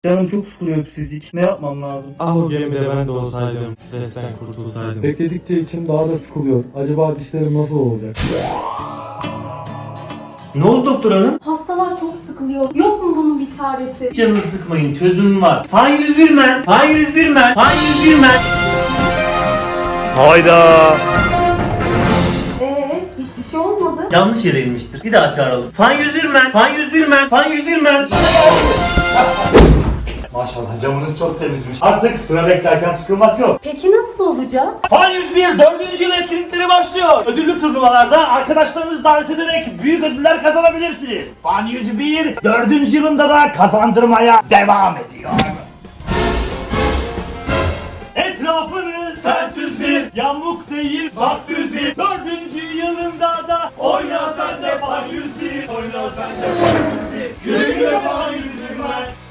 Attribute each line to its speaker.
Speaker 1: Canım çok sıkılıyor öpsizlik. Ne yapmam lazım?
Speaker 2: Ah o gemide ben de olsaydım, stresten kurtulsaydım.
Speaker 3: Bekledikçe içim daha da sıkılıyor. Acaba dişlerim nasıl olacak?
Speaker 1: Ne oldu doktor hanım?
Speaker 4: Hastalar çok sıkılıyor. Yok mu bunun bir çaresi?
Speaker 1: Canınızı sıkmayın, çözümüm var. Fan 101 men, fan 101 men, fan 101 men.
Speaker 5: Hayda.
Speaker 4: Hiçbir şey olmadı.
Speaker 1: Yanlış yere inmiştir. Bir daha çağıralım. Fan 101 men, fan 101 men, fan 101 men.
Speaker 5: Maşallah camınız çok temizmiş. Artık sıra beklerken sıkılmak yok.
Speaker 4: Peki nasıl olacak?
Speaker 5: Fan 101 4. yıl etkinlikleri başlıyor. Ödüllü turnuvalarda arkadaşlarınızı davet ederek büyük ödüller kazanabilirsiniz. Fan 101 4. yılında da kazandırmaya devam ediyor. Etrafınız sensiz bir yamuk değil bak düz bir 4. yılında da oyna sen de Fan 101. Oyna sen de Fan 101. Güle güle Fan 101.